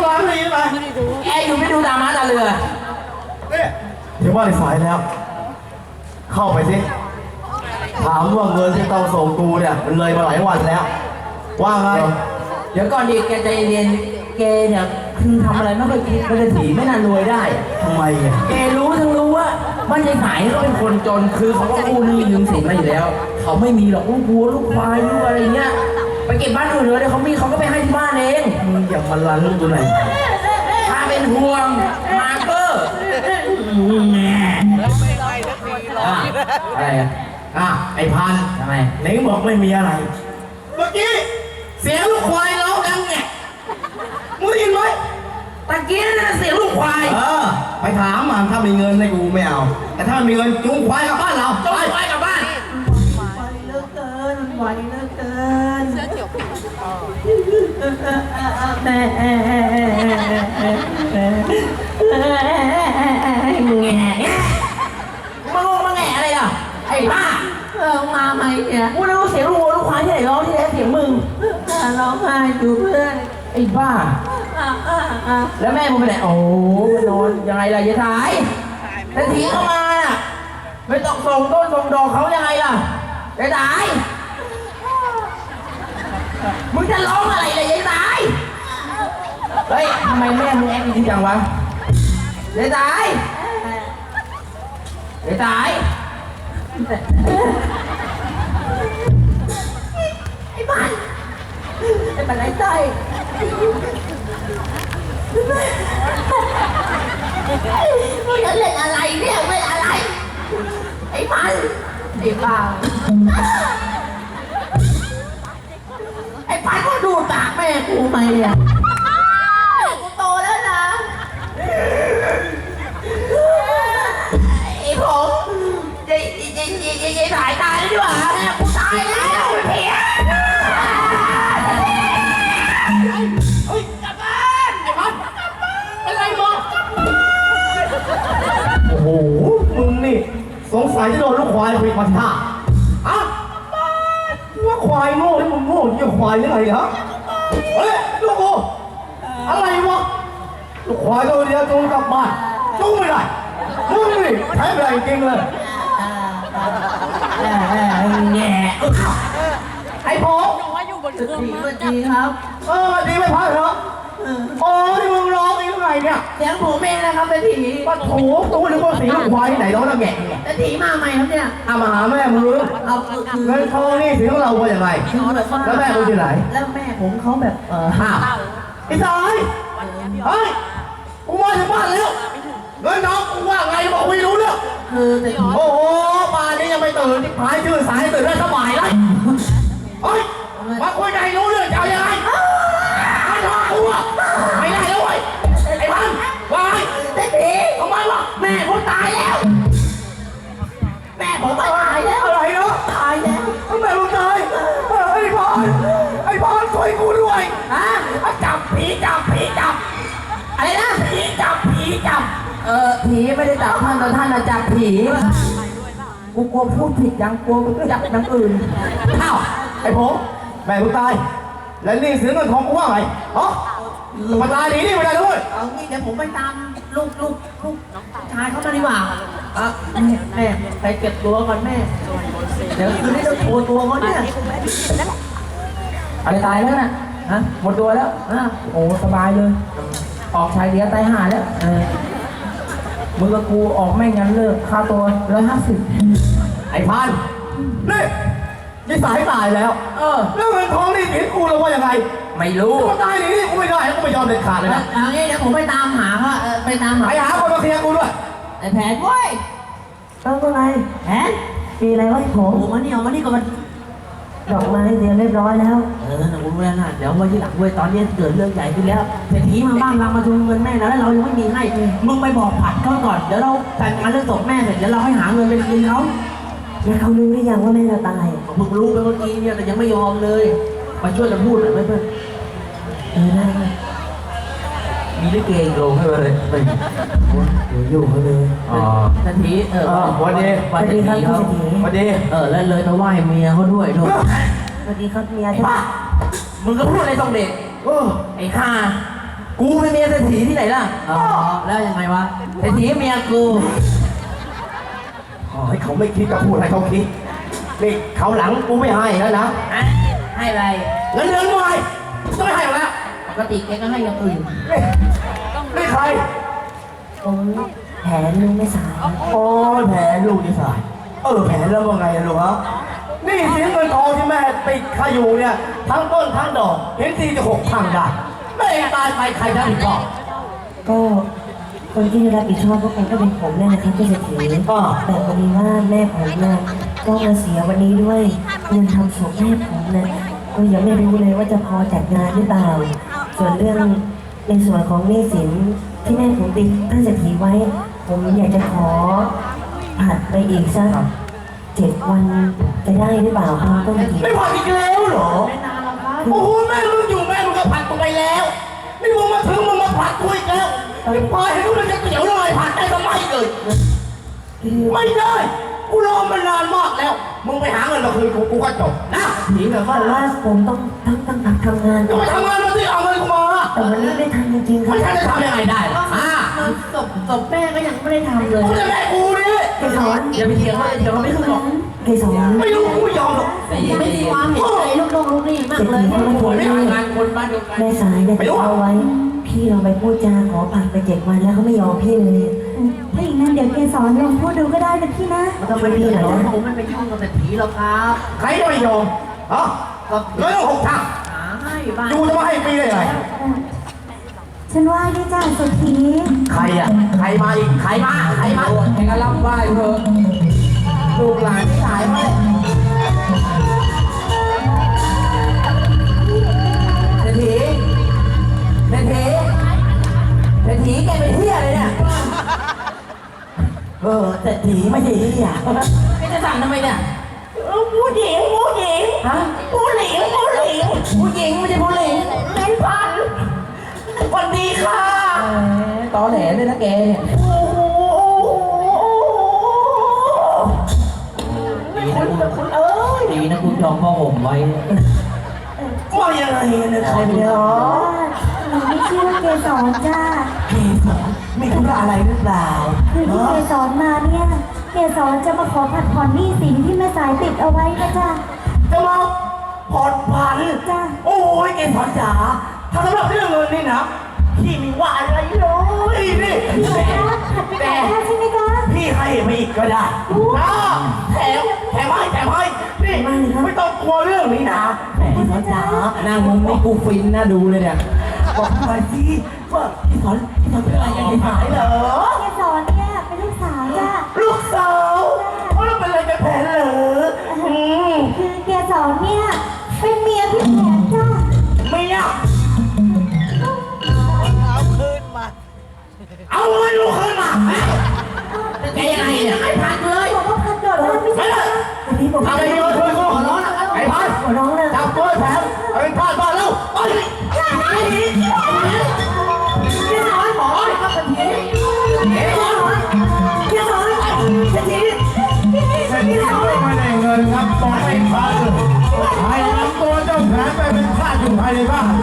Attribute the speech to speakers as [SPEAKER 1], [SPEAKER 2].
[SPEAKER 1] มาไม่ได้ไหมแกอยู่ไม่ดูตาม้าตาเรือเนี่ยเดี๋ยวว่าในสายแล้วเข้าไปสิถามว่าเงินที่ต้องส่งกูเนี่ยมันเลยมาหลายวันแล้วว่าไงเดี๋ยวก่อนดีแกใจเย็นแกเนี่ยคือทำอะไรไม่เคยคิดไม่ได้ถีไม่นานรวยได้ทำไมอ่ะแกรู้ทั้งรู้ว่าบ้านยายสายเขาเป็นคนจนคือเขาก็กู้หนี้ยืมสินมาอยู่แล้วเขาไม่มีหรอกลูกวัวลูกควายลูกอะไรเงี้ยไปเก็บบ้านอื่นเลยเดี๋ยวเขามีเขาก็ไปให้ที่บ้านเองมึงอย่ามาลันลูกตัวไหนถ้าเป็นห่วงมาเกอร์อะไรอ่ะไอ้พันทำไมไหนบอกไม่มีอะไรเมื่อกี้เสียงลูกควายร้องดังไงมึงได้ยินไหมตะกี้นั่นเสียงลูกควายไปถามมันถ้ามีเงินให้กูไม่เอาแต่ถ้ามันมีเงินจูงควายกลับบ้านเราจูงควายกลับบ้านไหวเหลือเกินไหวเหลือเกินเสื้อเขียวแง่มาแง่อะไรล่ะไอ้บ้ามาไหมเนี่ยกูรู้เสียงลูกควายที่ไหนร้องที่ไหนเสียงมึงร้องไห้อยู่เพื่อนไอ้บ้าแล้วแม่มึงไปไหนโอ้นอนยังไงล่ะยายสายแต่ทีเข้ามาน่ะไม่ต้องส่งต้นส่งดอกเขายังไงล่ะยายสายมึงจะร้องอะไรเลยยายสายเฮ้ยทำไมแม่มึงแอบดีจังวะยายสายยายสายไอ้บ้านไอ้บ้านไอ้ใจมึงจะเล่นอะไรเนี่ยเล่นอะไรไอ้บ้านไอ้บ้าไอ้บ้านก็ดูตากแม่กูไหมเนี่ยกูโตแล้วนะไอ้ผมจะถ่ายตายแล้วดีกว่ากูตายแล้วเพี้ยเฮ้ยกลับบ้านไอ้พันเป็นไรบอกโอ้โหมึงนี่สงสัยจะโดนลูกควายคุยมาท่าอ่ะว่าควายโง่ที่มึงโง่ที่ควายยังไงฮะเฮ้ยลูกกูอะไรวะลูกควายตัวเดียวจูงกลับบ้านจูงไม่ได้มึงนี่ใช้ไม่ได้จริงเลยแง่ไอ้ผมดีครับดีไม่พักเหรอโอ้ยมึงร้องอีกไงเนี่ยเสียงผมเองนะครับเป็นผีว่าโถตัวนึกว่าเสียงควายไหนร้องแล้วแง่เป็นผีมาใหม่ครับเนี่ยมาหาแม่มึงเอาเงินทองนี่เสียงเราเป็นยังไงแล้วแม่มึงอยู่ไหนแล้วแม่ผมเขาแบบไอ้สายเฮ้ยกูมาถึงบ้านแล้วเงินน้องกูว่าไงบอกไม่รู้เนี่ยโอ้โหป่านนี้ยังไม่ตื่นที่พายชื่อสายตื่นได้สบายเลยเฮ้ยมาคุยกันให้รู้เรื่องจะเอายังไงไม่ทอกูอ่ะไม่ได้แล้วเว้ยไอ้พันวายเด็กผีทำไมวะแม่ผมตายแล้วแม่ผมตายแล้วอะไรเนาะตายแล้วแม่ผมตายไอ้พันช่วยกูด้วยฮะจับผีจับอะไรนะผีจับผีไม่ได้จับท่านแต่ท่านจับผีกูกลัวพูดผิดยังกลัวจับอย่างอื่นอ้าวไอ้ผมแม่มึงตายแล้วนี่เสียเงินของกูว่าไงฮะมาตายดีนี่ไม่ได้ด้วยเอางี้เดี๋ยวผมไปตามลูกชายเขามาดีกว่าแม่ไปเก็บตัวก่อนแม่เดี๋ยวคืนนี้จะโชว์ตัวเขาเนี่ยอะไรตายแล้วนะฮะหมดตัวแล้วโอ้สบายเลยออกชายเดียวตายห่าแล้วมึงกับกูออกแม่งงั้นเลิกค่าตัว150ไอ้พันนี่ยี่สายตายแล้วเรื่องเงินทองนี่เห็นกูแล้วว่ายังไงไม่รู้กูตายนี่กูไม่ได้กูไม่ยอมเด็ดขาดเลยนะเอางี้เดี๋ยวผมไปตามหาเขาไปหาคนมาเคลียร์กูด้วยไอ้แผนเว้ย
[SPEAKER 2] ก็ไง
[SPEAKER 1] แผน
[SPEAKER 2] มีอะไรวะผม
[SPEAKER 1] มานี่ก่อน
[SPEAKER 2] ดอกไม้เตรียมเรียบร้อยแล้ว
[SPEAKER 1] นะกูรู้แล้วนะเดี๋ยววันที่หลังเว้ยตอนนี้เกิดเรื่องใหญ่ขึ้นแล้วเศรษฐีมาบ้านเรามาทวงเงินแม่แล้วเรายังไม่มีให้มึงไปบอกผัดเขาก่อนเดี๋ยวเราจัดการเรื่องศพแม่เสร็จเดี๋ยวเราให้หาเงินไปคืนเขา
[SPEAKER 2] แล้วเขารู้หรือยังว่าแม่เราตาย
[SPEAKER 1] มึงรู้ไปเมื่อกี้เนี่ยแต่ยังไม่ยอมเลยมาช่วยกันพูดหน่อยเพื่อน
[SPEAKER 2] ได้
[SPEAKER 1] มีลิเกโรงให้เลยไป
[SPEAKER 2] อยู่เขาเลย
[SPEAKER 1] ทันทีวันดี
[SPEAKER 2] ครับ
[SPEAKER 1] วันดีแล้วเลยมาไหว้เมียเขาด้วยด้วย
[SPEAKER 2] สวัสดีครับเมียใช่ปะ
[SPEAKER 1] มึงก็พูดอะไรต้องเด็กไอ้ข้ากูเป็นเมียเศรษฐีที่ไหนล่ะอ๋อแล้วยังไงวะเศรษฐีเมียกูอ๋อให้เขาไม่คิดก็พูดให้เขาคิดนี่เขาหลังกูไม่ให้แล้วนะให้อะไรเงินเดือนกูให้ต้องไม่ให้แล้วปกติแกก็ให้อย่างอื่นนี่ใคร
[SPEAKER 2] ผมแผนลุงไม่สาย
[SPEAKER 1] โอ้แผลลูกนี่สายแผลแล้วว่าไงลูกฮะนี่สินเงินทองที่แม่ติดข้าอยู่เนี่ยทั้งต้นทั้งดอกเห็นทีจะ6 พังได้แม่ตายไปใครจะรับผิดชอบ
[SPEAKER 2] ก็คนที่รับผิดชอบก็คงก็เป็นผมเนี่ยนะครับที่เศรษฐีแต่พอดีว่าแม่ผมเนี่ยก็มาเสียวันนี้ด้วยเงินทำศพแม่ผมเนี่ยก็ยังไม่รู้เลยว่าจะพอจัดงานหรือเปล่าส่วนเรื่องในส่วนของหนี้สินที่แม่ผมติดท่านเศรษฐีไว้ผมอยากจะขอผัดไปอีกสัก7 วันจะได้หรือเปล่าครับก็
[SPEAKER 1] ไม่พออีกแล้วเหรอไม่นานแล้วครับโอ้โหแม่มึงอยู่แม่มึงก็ผัดกูไปแล้วนี่มึงมาถึงมึงมาผัดกูอีกแล้วไม่พอให้กูเลยจะเกี่ยวเลยผัดได้ทำไมเลยไม่ได้กูรอมานานมากแล้วมึงไปหาเงินมาคืนกูก็จบนะหนีแบบ
[SPEAKER 2] ว่าผมต้องทำงาน
[SPEAKER 1] จะไปทำงานมาสิเอาเงินกูมา
[SPEAKER 2] แต่วันนี้ไม่ทันจริงๆครับ
[SPEAKER 1] ไม่ทันจะทำยังไงได้ศพแม่ก็ยังไม่ได้ทำเลยกูจะแม่กูนี่
[SPEAKER 2] เกสร
[SPEAKER 1] อย่าไปเถียงเลยเถียงเขาไม่รู้หรอก
[SPEAKER 2] เกสร
[SPEAKER 1] ไม่รู้กูยอมหรอก
[SPEAKER 3] ไม่มีความเห็นใจลูกน้องลูกนี่มากเลย
[SPEAKER 1] ไม่ทำงานคนบ้านเดียวกัน
[SPEAKER 2] แม่สายเนี่ยเอาไว้พี่เราไปพูดจาขอผัดไป7 วันแล้วเขาไม่ยอมพี่เลย
[SPEAKER 3] ถ้าอย่างนั้นเดี๋ยวเกสรลองพูดดูก็ได้นะพี่นะ
[SPEAKER 2] มันต้องเป็นพี่เหรอ
[SPEAKER 1] ผมไม่ไปยุ่งกับเศรษฐีหรอกครับใครจะไม่ยอมอ๋อแล้วต้อง6 ทางดูจะมาให้ปีได้ไง
[SPEAKER 3] ฉันว่าที่จ้าสุธี
[SPEAKER 1] ใครอ่ะใครมาอีกใครมาใครก็รับไหว้เถอะลูกหลานที่หายไปเศรษฐีแกเป็นเหี้ยเลยเนี่ยเศรษฐีไม่ใช่เหี้ยไม่จะสั่งทำไมเนี่ยผู้หญิงฮะผู้หญิงไม่ใช่ผู้หญิงเป็นพันวันดีค่ะตอแหลเลยนะแกเนี่ยดีนะคุณจองพ่อผมไว้ว่ายังไงเนี่ยใครเนี่ยหรอ
[SPEAKER 3] หนูไม่ชื่อเกสรจ้า
[SPEAKER 1] เกสรมีธุระอะไรหรือเปล่า
[SPEAKER 3] คือที่เกสรมาเนี่ยเกสรจะมาขอผัดผ่อนหนี้สินที่แม่สายติดเอาไว้นะจ้า
[SPEAKER 1] จะมาผ่อนผัน
[SPEAKER 3] จ้า
[SPEAKER 1] โอ้ยเกสรจ๋าถ้าสำหรับเรื่องเงินนี่นะพี่มีว่าอะไรเลยนี่
[SPEAKER 3] แต่ใช่ไหมจ๊ะ
[SPEAKER 1] พี่ให้ไม่อีกก็ได้นะแถมให้นี่ไม่ต้องกลัวเรื่องนี้นะเกสรจ๋าหน้ามึงไม่กูฟินนะดูเลยเนี่ยบอกมาสิว่าพี่สอนเป็นอะไรยังไงหายเหรอ
[SPEAKER 3] เกสรเนี่ยเป็นลูกสาวจ้า
[SPEAKER 1] ลูกสาวแล้วเป็นอะไรกันแผนเหรอ
[SPEAKER 3] คือเกสรเนี่ยเป็นเมียพี่แผนจ้า
[SPEAKER 1] เมียเอาเงินลูกคืนมาแกยังไงเนี่ยไม่พักเลย
[SPEAKER 3] บอกว่าพักเกิดไม่ใช่
[SPEAKER 1] ทำไมโดนช่วยกูขอร้องนะไอ้พันจับตัวแผนเอาไปพาดบ้านแล้วไปพี่สอนหมอครับเศรษฐีพี่สอนเศรษฐี
[SPEAKER 4] ไม่ได้เงินครับต้องให้พาใครนำตัวเจ้าแผนไปเป็นข้าอยู่ภายในบ้าน